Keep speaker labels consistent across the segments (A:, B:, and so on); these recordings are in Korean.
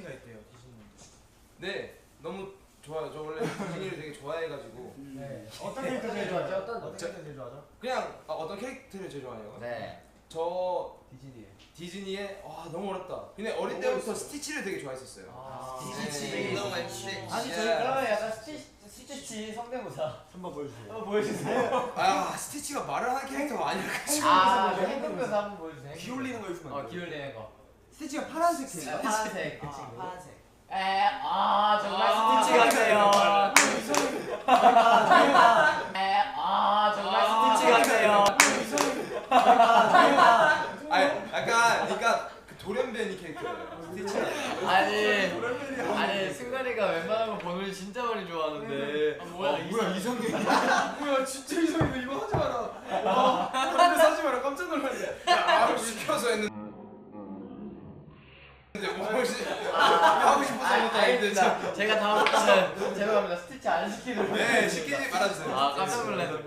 A: 디즈니가 있대요. 디즈니.
B: 네, 너무 좋아요. 저 원래 디즈니를 되게 좋아해가지고.
A: 네. 어떤 캐릭터 제일 좋아하죠? 어떤 캐릭터 제일 좋아하죠?
B: 그냥 어떤 캐릭터를 제일 좋아해요?
C: 네.
B: 저
A: 디즈니에.
B: 너무 어렵다. 근데 어릴 때부터 스티치를 되게 좋아했었어요.
A: 스티치.
B: 너무
A: 많지. 아니 저희 그러면 약간 스티치 성대모사 한번 보여주세요. 보여주세요.
B: 스티치가 말을 하는 캐릭터가 아니라.
A: 행동묘사 한번 보여주세요.
D: 기 올리는 거 있으면 안
C: 기 올리는 거.
A: 스티치가 파란색 캐릭터.
C: 파란색.
A: 파란색.
C: 정말 스티치 같아요. 정말 스티치 같아요.
B: 약간 그러니까 그 돌연변이 캐릭터예요. 스티치가.
C: 아니 승관이가 웬만한 거 보는 진짜 많이 좋아하는데.
D: 뭐야 이성균. 뭐야 진짜 이성균 이거 하지 마라. 그런데 하지 마라 깜짝 놀랐네.
B: 시켜서 했는데. 하고 싶어서 못하는데
C: 제가 다음부터는 죄송합니다. 스티치 안 시키도록.
B: 네, 시키지 말아주세요.
C: 깜짝 놀랐어.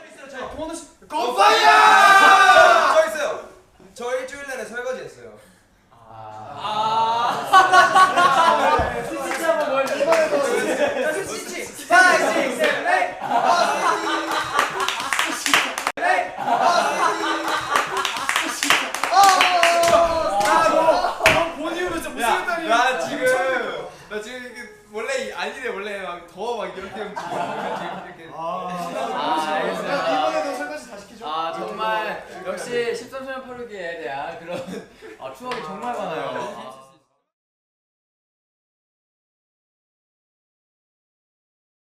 B: 컴파이어! 저 있어요. 저 일주일 내내 설거지 했어요.
A: 스티치 한번 보여주세요. 스티치. 5, 6, 7, 8.
B: 나 지금 이게 원래 아니래 원래 막 더 막 이렇게 움직여. 이렇게.
C: 알겠어요.
A: 이번에도 설거지 다 시키죠.
C: 정말 역시 13년 8루기에 대한 그런 추억이 정말 많아요.